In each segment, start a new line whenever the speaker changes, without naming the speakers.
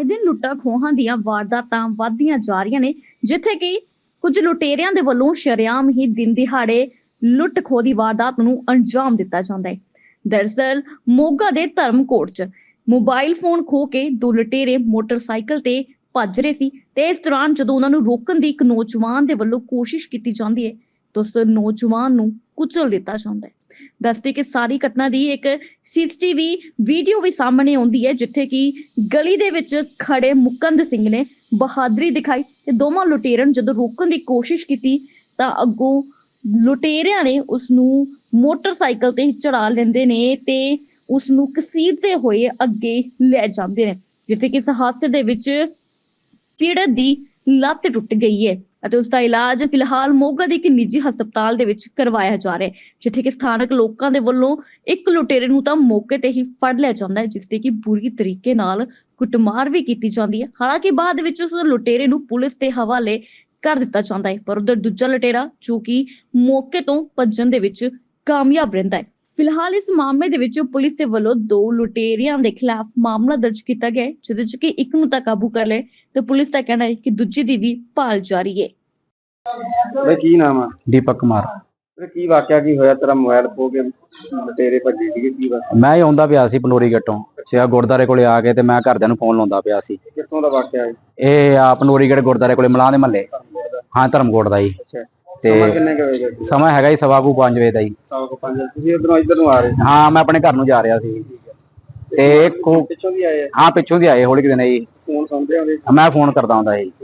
ਆਏ ਦਿਨ ਲੁੱਟਾਂ ਖੋਹਾਂ ਦੀਆਂ ਵਾਰਦਾਤਾਂ ਵੱਧਦੀਆਂ ਜਾ ਰਹੀਆਂ ਨੇ, ਜਿੱਥੇ ਕਿ ਕੁਝ ਲੁਟੇਰਿਆਂ ਦੇ ਵੱਲੋਂ ਸ਼ਰੇਆਮ ਹੀ ਦਿਨ ਦਿਹਾੜੇ ਲੁੱਟ ਖੋਹ ਦੀ ਵਾਰਦਾਤ ਨੂੰ ਅੰਜਾਮ ਦਿੱਤਾ ਜਾਂਦਾ ਹੈ। ਦਰਅਸਲ ਮੋਗਾ ਦੇ ਧਰਮਕੋਟ 'ਚ ਮੋਬਾਈਲ ਫੋਨ ਖੋਹ ਕੇ ਦੋ ਲੁਟੇਰੇ ਮੋਟਰਸਾਈਕਲ ਤੇ ਭੱਜ ਰਹੇ ਸੀ ਤੇ ਇਸ ਦੌਰਾਨ ਜਦੋਂ ਉਹਨਾਂ ਨੂੰ ਰੋਕਣ ਦੀ ਇੱਕ ਨੌਜਵਾਨ ਦੇ ਵੱਲੋਂ ਕੋਸ਼ਿਸ਼ ਕੀਤੀ ਜਾਂਦੀ ਹੈ ਤਾਂ ਉਸ ਨੌਜਵਾਨ ਨੂੰ ਕੁਚਲ ਦਿੱਤਾ ਜਾਂਦਾ ਹੈ। ਦੱਸਦੇ ਕਿ ਸਾਰੀ ਘਟਨਾ ਦੀ ਇੱਕ ਸੀਸੀਟੀਵੀ ਵੀਡੀਓ ਵੀ ਸਾਹਮਣੇ ਆਉਂਦੀ ਹੈ, ਜਿੱਥੇ ਕਿ ਗਲੀ ਦੇ ਵਿੱਚ ਖੜੇ ਮੁਕੰਦ ਸਿੰਘ ਨੇ ਬਹਾਦਰੀ ਦਿਖਾਈ ਤੇ ਦੋਵਾਂ ਲੁਟੇਰਿਆਂ ਨੂੰ ਜਦੋਂ ਰੋਕਣ ਦੀ ਕੋਸ਼ਿਸ਼ ਕੀਤੀ ਤਾਂ ਅੱਗੋਂ ਲੁਟੇਰਿਆਂ ਨੇ ਉਸ ਨੂੰ ਮੋਟਰਸਾਈਕਲ ਤੇ ਚੜਾ ਲੈਂਦੇ ਨੇ ਤੇ ਉਸ ਨੂੰ ਘਸੀਟਦੇ ਹੋਏ ਅੱਗੇ ਲੈ ਜਾਂਦੇ ਨੇ, ਜਿੱਥੇ ਕਿ ਇਸ ਹਾਦਸੇ ਦੇ ਵਿੱਚ ਪੀੜਤ ਦੀ ਲੱਤ ਟੁੱਟ ਗਈ ਹੈ ਅਤੇ ਉਸ ਦਾ ਇਲਾਜ ਫਿਲਹਾਲ ਮੋਗਾ ਦੇ ਇੱਕ ਨਿੱਜੀ ਹਸਪਤਾਲ ਦੇ ਵਿੱਚ ਕਰਵਾਇਆ ਜਾ ਰਿਹਾ ਹੈ, ਜਿੱਥੇ ਕਿ ਸਥਾਨਕ ਲੋਕਾਂ ਦੇ ਵੱਲੋਂ ਇੱਕ ਲੁਟੇਰੇ ਨੂੰ ਤਾਂ ਮੌਕੇ ਤੇ ਹੀ ਫੜ ਲਿਆ ਜਾਂਦਾ ਹੈ, ਜਿਸ ਤੇ ਕਿ ਬੁਰੀ ਤਰੀਕੇ ਨਾਲ ਕੁੱਟਮਾਰ ਵੀ ਕੀਤੀ ਜਾਂਦੀ ਹੈ। ਹਾਲਾਂਕਿ ਬਾਅਦ ਵਿੱਚ ਉਸ ਲੁਟੇਰੇ ਨੂੰ ਪੁਲਿਸ ਦੇ ਹਵਾਲੇ ਕਰ ਦਿੱਤਾ ਜਾਂਦਾ ਹੈ, ਪਰ ਉਧਰ ਦੂਜਾ ਲੁਟੇਰਾ ਜੋ ਕਿ ਮੌਕੇ ਤੋਂ ਭੱਜਣ ਦੇ ਵਿੱਚ ਕਾਮਯਾਬ ਰਹਿੰਦਾ ਹੈ। ਫਿਲਹਾਲ ਇਸ ਮਾਮਲੇ ਦੇ ਵਿੱਚ ਪੁਲਿਸ ਦੇ ਵੱਲੋਂ ਦੋ ਲੁਟੇਰਿਆਂ ਦੇ ਖਿਲਾਫ ਮਾਮਲਾ ਦਰਜ ਕੀਤਾ ਗਿਆ ਹੈ, ਜਿਹਦੇ ਚ ਕਿ ਇੱਕ ਨੂੰ ਤਾਂ ਕਾਬੂ ਕਰ ਲਿਆ ਤੇ ਪੁਲਿਸ ਦਾ ਕਹਿਣਾ ਹੈ ਕਿ ਦੂਜੀ ਦੀ ਵੀ ਭਾਲ ਜਾਰੀ ਹੈ।
ਕੀ ਨਾਮ ਆ?
ਦੀਪਕ ਕੁਮਾਰ।
ਕੀ ਵਾਕਿਆ ਕੀ ਹੋਇਆ? ਤੇਰਾ ਮੋਬਾਈਲ ਖੋ ਕੇ ਲੁਟੇਰੇ ਭੱਜੇ ਸੀਗੇ, ਕੀ ਵਾਕਿਆ?
ਮੈਂ ਆਉਂਦਾ ਪਿਆ ਸੀ ਪਨੋਰੀ ਗੇਟੋਂ ਸਿਆ ਗੁਰਦਾਰੇ ਕੋਲੇ ਆ ਕੇ ਤੇ ਮੈਂ ਘਰਦਿਆਂ ਨੂੰ ਫੋਨ ਲਾਉਂਦਾ ਪਿਆ ਸੀ।
ਕਿੱਥੋਂ ਦਾ ਵਾਕਿਆ ਹੈ
ਇਹ ਆ ਪਨੋਰੀ ਗੇਟ ਗੁਰਦਾਰੇ ਕੋਲੇ ਮਲਾਹ ਦੇ ਮਹੱਲੇ। ਹਾਂ, ਧਰਮਕੋਟ ਦਾ ਜੀ।
ਤੇ ਕਿੰਨੇ ਕੁ ਵਜੇ?
ਸਮਾਂ ਹੈਗਾ ਜੀ 5:15 ਵਜੇ ਦਾ ਜੀ।
5:15। ਤੁਸੀਂ ਇੱਧਰ ਨੂੰ ਆ ਰਹੇ?
ਹਾਂ, ਮੈਂ ਆਪਣੇ ਘਰ ਨੂੰ ਜਾ ਰਿਹਾ ਸੀ ਤੇ
ਪਿੱਛੋਂ ਵੀ ਆਏ?
ਹਾਂ, ਪਿੱਛੋਂ ਦੀ ਆਏ ਹੌਲੀ ਕਿਤੇ ਜੀ।
ਫੋਨ ਸੁਣਦੇ ਆਉਂਦੇ?
ਮੈਂ ਫੋਨ ਕਰਦਾ ਹੁੰਦਾ ਜੀ।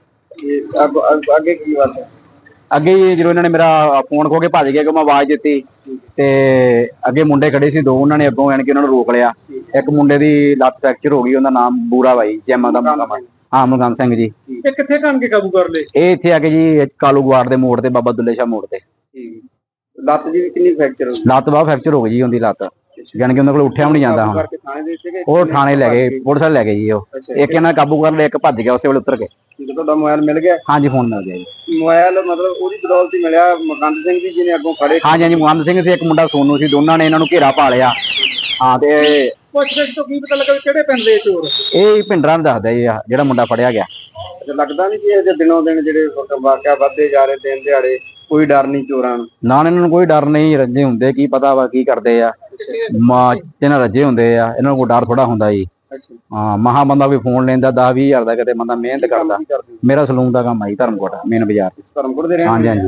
ਅੱਗੇ ਕੀ ਵਾਕਿਆ?
ਅੱਗੇ ਜਦੋਂ ਇਹਨਾਂ ਨੇ ਮੇਰਾ ਫੋਨ ਖੋ ਕੇ ਭੱਜ ਗਿਆ ਕਿ ਮੈਂ ਆਵਾਜ਼ ਦਿੱਤੀ ਤੇ ਅੱਗੇ ਮੁੰਡੇ ਖੜੇ ਸੀ ਦੋ, ਉਹਨਾਂ ਨੇ ਅੱਗੋਂ ਆਣ ਕੇ ਉਹਨਾਂ ਨੂੰ ਰੋਕ ਲਿਆ। ਇੱਕ ਮੁੰਡੇ ਦੀ ਲੱਤ ਫ੍ਰੈਕਚਰ ਹੋ ਗਈ, ਉਹਦਾ ਨਾਮ ਬੂਰਾ ਬਾਈ ਜੈਮਾ ਦਾ ਮੁੰਡਾ। ਹਾਂ, ਮੁਲਗਾਮ ਸਿੰਘ ਜੀ।
ਇਹ ਕਿੱਥੇ ਕਾਣ ਕੇ ਕਾਬੂ ਕਰ ਲਏ?
ਇਹ ਇੱਥੇ ਆ ਕੇ ਜੀ ਕਾਲੂ ਗਵਾੜ ਦੇ ਮੋੜ ਤੇ ਬਾਬਾ ਦੁੱਲੇ ਸ਼ਾਹ ਮੋੜ ਤੇ।
ਲੱਤ ਜੀ ਕਿੰਨੀ ਫ੍ਰੈਕਚਰ ਹੋ ਗਈ?
ਲੱਤ ਬਾਹ ਫ੍ਰੈਕਚਰ ਹੋ ਗਈ ਜੀ ਉਹਦੀ ਲੱਤ, ਜਾਨ ਕਿ ਉਹਨਾਂ ਕੋਲ ਉੱਠਿਆ ਵੀ ਨਹੀਂ ਜਾਂਦਾ। ਹੁਣ ਉਹ ਥਾਣੇ ਲੈ ਗਏ, ਪੁਲਿਸ ਵਾਲੇ ਲੈ ਗਏ ਜੀ। ਉਹ ਇੱਕ ਇਹਨਾਂ ਕਾਬੂ ਕਰ ਲਿਆ, ਇੱਕ ਭੱਜ ਗਿਆ ਉਸੇ ਵੇਲੇ ਉਤਰ ਕੇ।
ਤੁਹਾਡਾ ਮੋਬਾਈਲ ਮਿਲ ਗਿਆ?
ਹਾਂਜੀ, ਫੋਨ ਮਿਲ ਗਿਆ ਜੀ।
ਮੋਬਾਈਲ ਮਤਲਬ ਉਹਦੀ ਬਦੌਲਤ ਹੀ ਮਿਲਿਆ? ਮੁਕੰਦ ਸਿੰਘ ਜੀ ਜਿਹਨੇ ਅੱਗੋਂ ਖੜੇ?
ਹਾਂਜੀ ਹਾਂਜੀ, ਮੁਕੰਦ ਸਿੰਘ ਸੀ, ਇੱਕ ਮੁੰਡਾ ਸੋਨੂ ਸੀ, ਦੋਨਾਂ ਨੇ ਇਹਨਾਂ ਨੂੰ ਘੇਰਾ ਪਾ ਲਿਆ। ਹਾਂ, ਤੇ
ਪੁੱਛਗਿੱਛ ਤੋਂ ਕੀ ਪਤਾ ਲੱਗਾ ਕਿਹੜੇ ਪਿੰਡ ਦੇ ਚੋਰ?
ਇਹ ਭਿੰਡਰਾਂ ਨੂੰ ਦੱਸਦਾ ਜੀ ਜਿਹੜਾ ਮੁੰਡਾ ਫੜਿਆ ਗਿਆ।
ਲੱਗਦਾ ਨਹੀਂ ਕਿ ਇਹ ਦਿਨੋਂ ਦਿਨ ਜਿਹੜੇ ਵਾਕਿਆ ਵੱਧਦੇ ਜਾ ਰਹੇ, ਦਿਨ ਦਿਹਾੜੇ ਕੋਈ ਡਰ ਨਹੀਂ ਚੋਰਾਂ ਨੂੰ?
ਨਾ, ਇਹਨਾਂ ਨੂੰ ਕੋਈ ਡਰ ਨਹੀਂ। ਰੱਜੇ ਹੁੰਦੇ, ਕੀ ਪਤਾ ਵਾ ਕੀ ਕਰਦੇ ਆ। ਇਹਨਾਂ ਰੱਜੇ ਹੁੰਦੇ ਆ, ਇਹਨਾਂ ਨੂੰ ਕੋਈ ਡਰ ਥੋੜਾ ਹੁੰਦਾ ਜੀ। ਹਾਂ, ਮਹਾ ਬੰਦਾ ਵੀ ਫੋਨ ਲੈਂਦਾ 10-20 ਹਜ਼ਾਰ ਦਾ, ਕਿਤੇ ਬੰਦਾ ਮਿਹਨਤ ਕਰਦਾ। ਮੇਰਾ ਸਲੂਨ ਦਾ ਕੰਮ ਆਈ ਧਰਮਕੋਟ ਮੇਨ ਬਾਜ਼ਾਰ।
ਧਰਮਕੋਟ ਦੇ?
ਹਾਂਜੀ ਹਾਂਜੀ।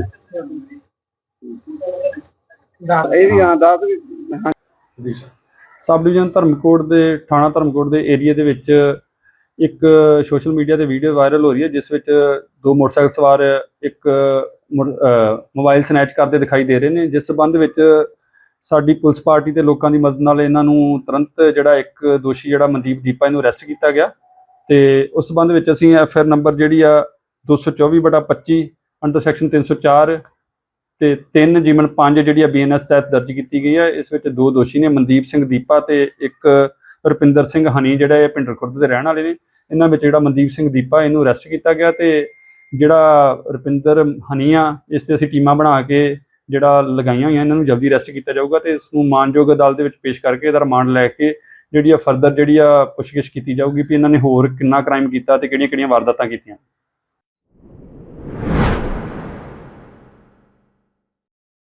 ਇਹ ਵੀ ਹਾਂ ਦੱਸ।
ਸਬ ਡਿਵੀਜ਼ਨ ਧਰਮਕੋਟ ਦੇ ਥਾਣਾ ਧਰਮਕੋਟ ਦੇ ਏਰੀਆ ਦੇ ਵਿੱਚ ਇੱਕ ਸੋਸ਼ਲ ਮੀਡੀਆ ਤੇ ਵੀਡੀਓ ਵਾਇਰਲ ਹੋ ਰਹੀ ਹੈ, ਜਿਸ ਵਿੱਚ ਦੋ ਮੋਟਰਸਾਈਕਲ ਸਵਾਰ ਇੱਕ ਮੋਬਾਈਲ ਸਨੈਚ ਕਰਦੇ ਦਿਖਾਈ ਦੇ ਰਹੇ ਨੇ। ਜਿਸ ਸਬੰਧ ਵਿੱਚ ਸਾਡੀ ਪੁਲਿਸ ਪਾਰਟੀ ਤੇ ਲੋਕਾਂ ਦੀ ਮਦਦ ਨਾਲ ਇਹਨਾਂ ਨੂੰ ਤੁਰੰਤ ਜਿਹੜਾ ਇੱਕ ਦੋਸ਼ੀ ਜਿਹੜਾ ਮਨਦੀਪ ਦੀਪਾ, ਇਹਨੂੰ ਅਰੈਸਟ ਕੀਤਾ ਗਿਆ ਤੇ ਉਸ ਸਬੰਧ ਵਿੱਚ ਅਸੀਂ FIR ਨੰਬਰ ਜਿਹੜੀ ਆ 224/25 ਅੰਡਰ ਸੈਕਸ਼ਨ 304 ਤੇ 3/5 ਜਿਹੜੀ ਆ BNS ਤਹਿਤ ਦਰਜ ਕੀਤੀ ਗਈ ਹੈ। ਇਸ ਵਿੱਚ ਦੋ ਦੋਸ਼ੀ ਨੇ, ਮਨਦੀਪ ਸਿੰਘ ਦੀਪਾ ਤੇ ਇੱਕ ਰੁਪਿੰਦਰ ਸਿੰਘ ਹਨੀ, ਜਿਹੜਾ ਇਹ ਭਿੰਡਰ ਖੁਰਦ ਦੇ ਰਹਿਣ ਵਾਲੇ ਨੇ। ਇਹਨਾਂ ਵਿੱਚ ਜਿਹੜਾ ਮਨਦੀਪ ਸਿੰਘ ਦੀਪਾ, ਇਹਨੂੰ ਅਰੈਸਟ ਕੀਤਾ ਗਿਆ ਤੇ ਜਿਹੜਾ ਰੁਪਿੰਦਰ ਹਨੀ ਆ, ਇਸ ਤੇ ਅਸੀਂ ਟੀਮਾਂ ਬਣਾ ਕੇ ਜਿਹੜਾ ਲਗਾਈਆਂ ਹੋਈਆਂ, ਇਹਨਾਂ ਨੂੰ ਜਲਦੀ ਅਰੈਸਟ ਕੀਤਾ ਜਾਊਗਾ ਤੇ ਇਸ ਨੂੰ ਮਾਨਯੋਗ ਅਦਾਲਤ ਦੇ ਵਿੱਚ ਪੇਸ਼ ਕਰਕੇ ਇਹਦਾ ਰਿਮਾਂਡ ਲੈ ਕੇ ਜਿਹੜੀ ਆ ਫਰਦਰ ਜਿਹੜੀ ਆ ਪੁੱਛਗਿੱਛ ਕੀਤੀ ਜਾਊਗੀ ਵੀ ਇਹਨਾਂ ਨੇ ਹੋਰ ਕਿੰਨਾ ਕ੍ਰਾਈਮ ਕੀਤਾ ਤੇ ਕਿਹੜੀਆਂ-ਕਿਹੜੀਆਂ ਵਾਰਦਾਤਾਂ ਕੀਤੀਆਂ।